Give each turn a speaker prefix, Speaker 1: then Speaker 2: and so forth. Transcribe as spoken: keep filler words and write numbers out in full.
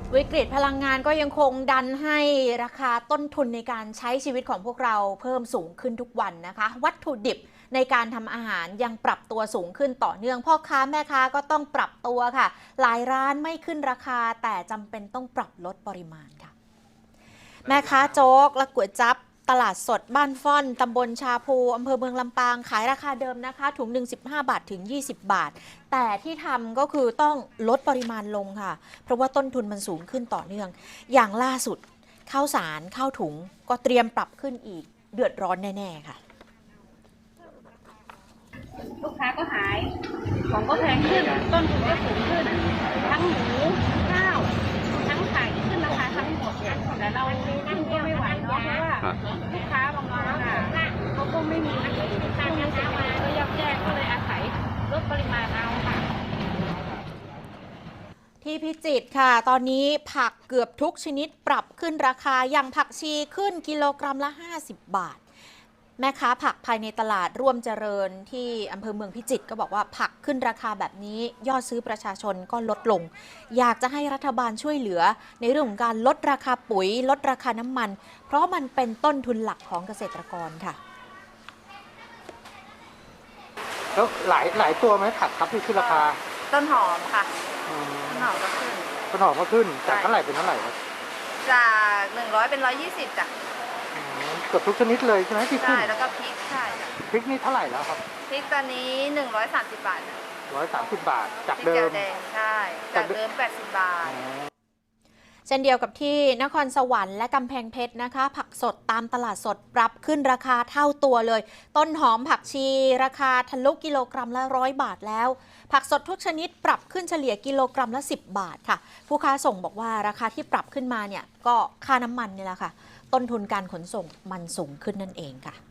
Speaker 1: วิกฤตพลังงานก็ยังคงดันให้ราคาต้นทุนในการใช้ชีวิตของพวกเราเพิ่มสูงขึ้นทุกวันนะคะวัตถุดิบในการทำอาหารยังปรับตัวสูงขึ้นต่อเนื่องพ่อค้าแม่ค้าก็ต้องปรับตัวค่ะหลายร้านไม่ขึ้นราคาแต่จำเป็นต้องปรับลดปริมาณค่ะแม่ค้าโจ๊กและก๋วยจั๊บตลาดสดบ้านฟ่อนตำบลชาพูอำเภอเมืองลำปางขายราคาเดิมนะคะถุงหนึ่งสิบห้าบาทถึงยี่สิบบาทแต่ที่ทำก็คือต้องลดปริมาณลงค่ะเพราะว่าต้นทุนมันสูงขึ้นต่อเนื่องอย่างล่าสุดข้าวสารข้าวถุงก็เตรียมปรับขึ้นอีกเดือดร้อนแน่ๆค่ะ
Speaker 2: ลูกค้าก็หายของก็แพงขึ้นต้นทุนก็สูงขึ้นทั้งหมูข้าวทั้งไข่ขึ้นราคาทั้งหมดแต่เราขึ้นก็ไม่ไหวเนาะเพราะว่าลูกค้าบางคนอ่ะเขาก็ไม่มีช่วงนี้เศรษฐกิจก็ยับแย่ก็เลยอาศัยลดปริมาณเอาค่ะ
Speaker 1: ที่พิจิตรค่ะตอนนี้ผักเกือบทุกชนิดปรับขึ้นราคาอย่างผักชีขึ้นกิโลกรัมละห้าสิบบาทแม่ค้าผักภายในตลาดร่วมเจริญที่อำเภอเมืองพิจิตรก็บอกว่าผักขึ้นราคาแบบนี้ยอดซื้อประชาชนก็ลดลงอยากจะให้รัฐบาลช่วยเหลือในเรื่องของการลดราคาปุ๋ยลดราคาน้ำมันเพราะมันเป็นต้นทุนหลักของเกษตรกรค่ะ
Speaker 3: แล้วหลายหลายตัวไหมผักครับที่ขึ้นราคา
Speaker 4: ต้นหอมค่ะต้นหอมก็ขึ้น
Speaker 3: ต้นหอมก็ขึ้นจากเท่าไหร่เป็นเท่าไหร่ครับ
Speaker 4: จากหนึ่งร้อยเป็นร้อยยี่สิบจ้ะ
Speaker 3: เกือบทุกชนิดเลยใช่ไหมที่ขึ้น
Speaker 4: ใช่แล้วก็พริกใช่
Speaker 3: พริกนี่เท่าไหร่แล้วครับ
Speaker 4: พริกตอนนี้หนึ่งร้อยสามสิบบาท
Speaker 3: ร้อยสามสิบบาทจากเดิม
Speaker 4: ใช่จากเดิมแปดสิบบาท
Speaker 1: เช่นเดียวกับที่นครสวรรค์และกำแพงเพชรนะคะผักสดตามตลาดสดปรับขึ้นราคาเท่าตัวเลยต้นหอมผักชีราคาทะลุกิโลกรัมละร้อยบาทแล้วผักสดทุกชนิดปรับขึ้นเฉลี่ยกิโลกรัมละสิบบาทค่ะผู้ค้าส่งบอกว่าราคาที่ปรับขึ้นมาเนี่ยก็ค่าน้ำมันนี่แหละค่ะต้นทุนการขนส่งมันสูงขึ้นนั่นเองค่ะ